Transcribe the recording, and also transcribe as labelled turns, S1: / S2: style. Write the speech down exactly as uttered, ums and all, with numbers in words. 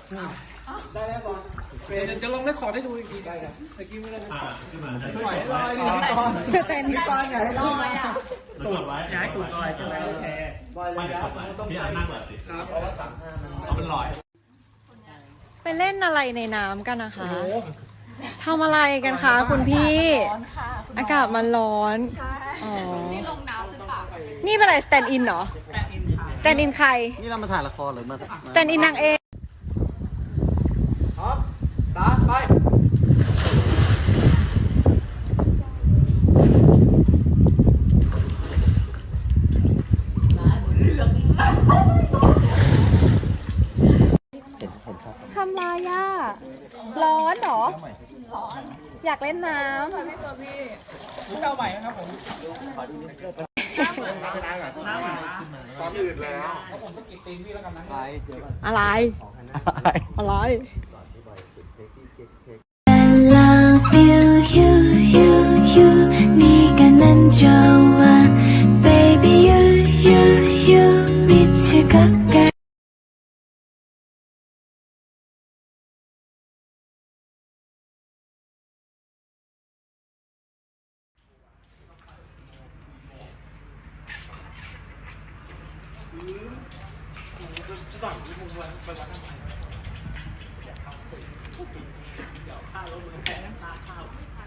S1: ได้ไหมบอลเป็นจะลองได้ขอได้ดูอีกทีได้ครับเมื่อกี้ไม่ได้ขึ้นมาปล่อยลอยดิตอนเป็นตอนใหญ่ลอยอ่ะตูดไว้ย้ายตูดลอยใช่ไหมโอเคลอยเลยนะต้องพี่อ่านนั่งแบบสิครับเพราะว่าสามห้ามันเอาเป็นลอย
S2: ไปเล่นอะไรในน้ำกันนะคะทำอะไรกันคะคุณพี่อากาศมันร้อนอ๋อนี่ลงน้ำจนปากนี่เป็นอะไรสแตนด์อินเหรอสแตนด์อินใคร
S1: นี่เรามาถ่ายละครหรือมา
S2: สแตนด์อินนางเอก
S1: พร้อมตาไป
S2: ทำไรอ่ะร้อนเหรออยากเล่นน้ำ
S1: ให้ตัวพี่เจ้าใหม่นะครับผมขอดูนิดเดียวน้ำเหมือนน้ำน้ำความอื่นแล้วเพราะผมต้องกินตีนพี่แล้วกันนะ
S2: อะไรอะไร
S3: I love you you you you 네가 난 좋아 baby you you you 미칠 것 같아
S1: ข้าวรถมันแพ้น้ำตาข้าว